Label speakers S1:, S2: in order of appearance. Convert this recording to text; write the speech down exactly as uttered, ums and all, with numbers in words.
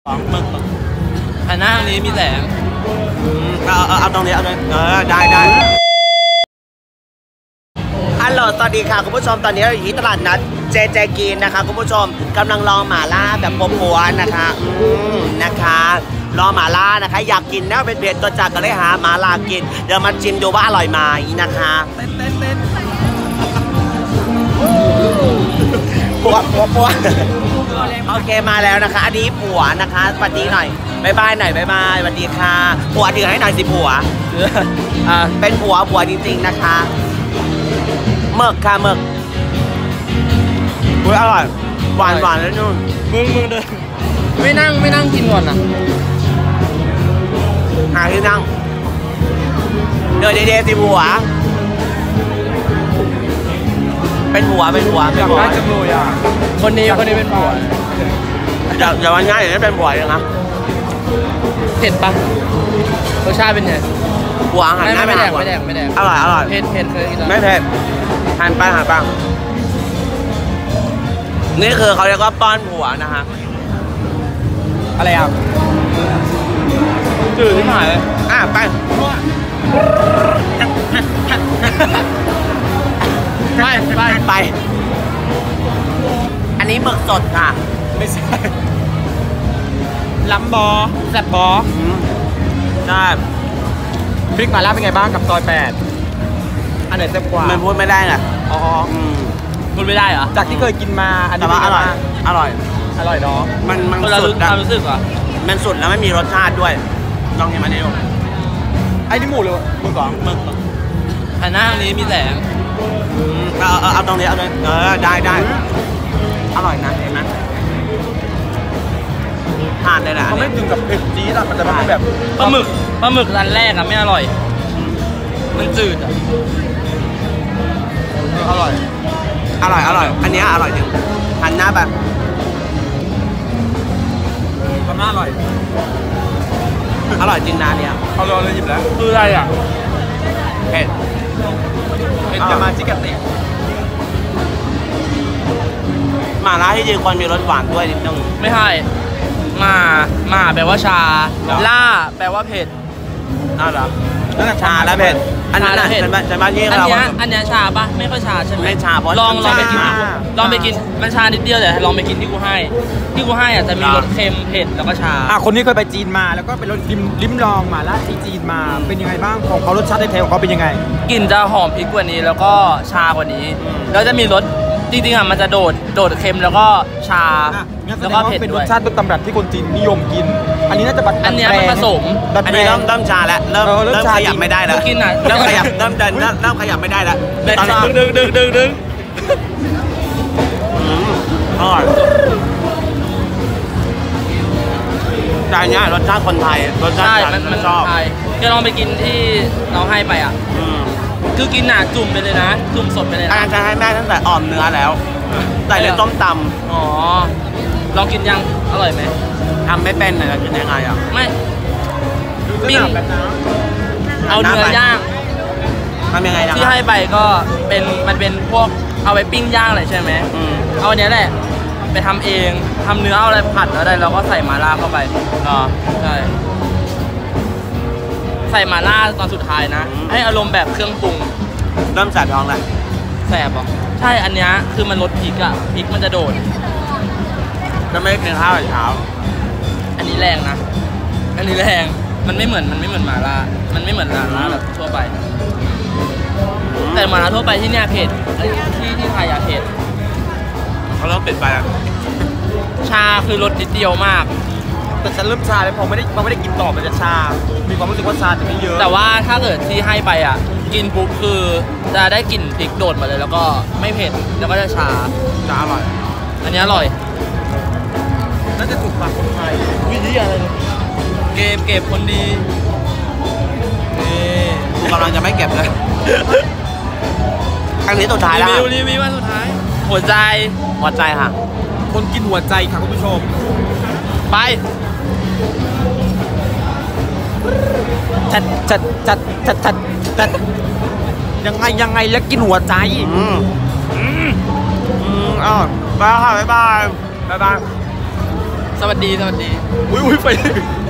S1: หมึกอันหน้าตรงนี้มีแสง
S2: เอาเอาเอาตรงนี้เอาตรงเออได้ได้ฮัลโหลสวัสดีค่ะคุณผู้ชมตอนนี้เราอยู่ที่ตลาดนัดเจเจกินนะคะคุณผู้ชมกำลังรอหม่าล่าแบบปัวๆนะคะอืมนะคะรอหม่าล่านะคะอยากกินแน่เป็นเผ็ดตัวจากก็เลยหาหม่าล่ากินเดี๋ยวมาชิมดูว่าอร่อยไหมนะคะเต้นเต้นเต้นปัวปัวปัวโอเคมาแล้วนะคะอันนี้ผัวนะคะสวัสดีหน่อยบายบายหน่อยบายบายสวัสดีค่ะผัวถือให้หน่อยสิผัวอ่าเป็นผัวผัวจริงๆนะคะหมึกค่ะหมึกอุ้ยอร่อยหวานหวานแล้วนุ่น
S1: มึงมึงเดินไม่นั่งไม่นั่งกินก่อนนะ
S2: หาที่นั่งเดินเดย์สิผัวเป็นผัวเป็นผัวเป็นผัว
S1: จังเลยอ่ะคนนี้คนนี้เป็นผัว
S2: อย่าอย่าวันง่ายอย่างนี้เป็นผัวเลยนะ
S1: เผ็ดปะรสชาติเป็นไง
S2: ผัวหันหน้า
S1: ไม่แดงไม่แดงไม่แดง
S2: อร่อยอร่อย
S1: เผ็ดเผ็ดเคยกิน
S2: ไม่เผ็ดหันไปหันไปนี่คือเขาเรียกว่าป้อนผัวนะฮะ
S1: อะไรอ่ะจืดที่หายเลย
S2: อ่ะไป
S1: ไปไป
S2: ไปอันนี้หมึกสดค่ะ
S1: ไม่ใช่ล้ำบอแซ่บบอ
S2: ใช่
S1: พริกหม่าล่าเป็นไงบ้างกับซอยแปดอันไหนแซ่บกว่า
S2: มันพูดไม่ได้ไง
S1: อ๋อพูดไม่ได้เหรอจากที่เคยกินมาอันนี้
S2: อร่อยอร่อย
S1: อร่อยเนาะ
S2: มันมัน
S1: สุดนะรู้สึกเหรอ
S2: มันสุดแล้วไม่มีรสชาติด้วยลองกินมาดิลูก
S1: ไอ้นี่หมูเลยหมึกเหรอหมึกอันหน้าตรงนี้มีแสง
S2: เอาเอาเอาตรงนี้เอาเลยเออได้ได้อร่อยนะเห็นไหมทานเลยแหละ
S1: เขาไม่ถึงกับเผ็ดจี๊ดอะมันจะเป็นแบบปลาหมึกปลาหมึกร้านแรกอะไม่อร่อยมันจืดอะอร่อย
S2: อร่อยอร่อยอันนี้อร่อยจริงหันหน้าแบบ
S1: ทำหน้าอร่อย
S2: อร่อยจริงนะเนี่ย
S1: เขาลองเลยหยิบแล้วคืออะไรอ่ะ
S2: เผ็ด
S1: เผ็ดจะมาจิกเตะ
S2: หม่าล่าที่จริงควรมีรสหวานด้วยนิดนึง
S1: ไม่ใช่มามาแปลว่าชาล่าแปลว่าเผ็ด
S2: อ้าวเหรอชาและเผ็ดอันนั้นเป็นเป็นบ้านที่เรา
S1: อันนี้อันนี้ชาปะไม่ค่อยชาใช่ไหม
S2: ไม่ชาเพราะ
S1: ลองลองไปกินลองไปกินมันชานิดเดียวแต่ลองไปกินที่กูให้ที่กูให้อ่ะจะมีรสเค็มเผ็ดแล้วก็ชา
S3: อ่ะคนนี้เคยไปจีนมาแล้วก็ไปรสลิ้มลิ้มลองหม่าล่าที่จีนมาเป็นยังไงบ้างของเขารสชาติในไทยของเขาเป็นยังไง
S1: กลิ่นจะหอมพริกกว่านี้แล้วก็ชากว่านี้แล้วจะมีรสจริงๆอ่ะมันจะโดดโดดเค็มแล้วก็ชาแล้วก็เผ็ดด้วย
S3: เป็นรสชาติต้นตำรับที่คนจีนนิยมกินอันนี้น่าจะ
S1: อันนี้มันผสม
S2: อันนี้เริ่มเริ่มชาแล้วเริ่มเริ่มขยับไม่ได้แล้ว
S1: กินอ่ะ
S2: เริ่มขยับเริ่มเดินเริ่มขยับไม่ได้แล้ว
S1: ตอนนี้ดึงดึงดึงดึง
S2: อร่อยจานนี้รสชาติคนไทยรสชาติ
S1: มันชอบจะลองไปกินที่เราให้ไปอ่ะคือกินหนาจุ่มไปเลยนะจุ่มสดไปเลยนะ
S2: อาจารย์จะให้แม่ตั้งแต่อ่อมเนื้อแล้วใส่ในต้มต
S1: ำอ๋อลองกินยังอร่อยไหม
S2: ทำไม่เป็นเลยกินยังไงอ่ะ
S1: ไม่ปิ้งเอาเนื้อย่าง
S2: ทำยังไง
S1: ที่ให้ไปก็เป็นมันเป็นพวกเอาไปปิ้งย่างเลยใช่ไหมเอาอันนี้แหละไปทำเองทำเนื้อเอาอะไรผัดแล้วได้แล้วก็ใส่หม่าล่าเข้าไปอ๋อใช่ใส่หม่าล่าตอนสุดท้ายนะให้อารมณ์แบบเครื่องปรุง
S2: เริ่มแสบท้องแล้ว
S1: แสบอ่ะใช่อันนี้คือมันลดพริกอ่ะพริกมันจะโดด
S2: จะไม่กินข้าวเช้า
S1: อันนี้แรงนะอันนี้แรงมันไม่เหมือนมันไม่เหมือนหม่าล่ามันไม่เหมือนหม่าล่าแบบทั่วไปแต่หม่าล่าทั่วไปที่เนี่ยเผ็ดที่ที่ไทยอะเผ็ด
S2: เขาเริ่มเผ็ดไปแล้ว
S1: ชาคือรสนิดเดียวมาก
S3: แต่ฉันเริ่มชาแล้วพอไม่ได้พอไม่ได้กินต่อมันจะชามีความรู้สึกว่าชาจะไม่เยอะ
S1: แต่ว่าถ้าเกิดที่ให้ไปอ่ะกินปุ๊บคือจะได้กลิ่นพริกโดดมาเลยแล้วก็ไม่เผ็ดแล้วก็จะชา
S2: จะอร่อย
S1: อันนี้อร่อย
S3: น่าจะถูกปากคนไทย
S1: วิธีอะไรเก็บเก็บคนดี
S2: นี่กูกำลังจะไม่เก็บเลยครั้งนี้สุดท้ายแล้ว
S1: รีวิวรีวิววันสุดท้ายหัวใจ
S2: หัวใจค่ะ
S3: คนกินหัวใจค่ะคุณผู้ชม
S1: ไป
S3: จัดจัดจัดจัดจัดจัดยังไงยังไงแล้วกินหัวใจ
S2: อืมอืมอืมอ้าวบายค่ะบ๊ายบายบ๊ายบาย
S1: สวัสดีสวัสดี
S3: อุ้ยอุ้ยไฟ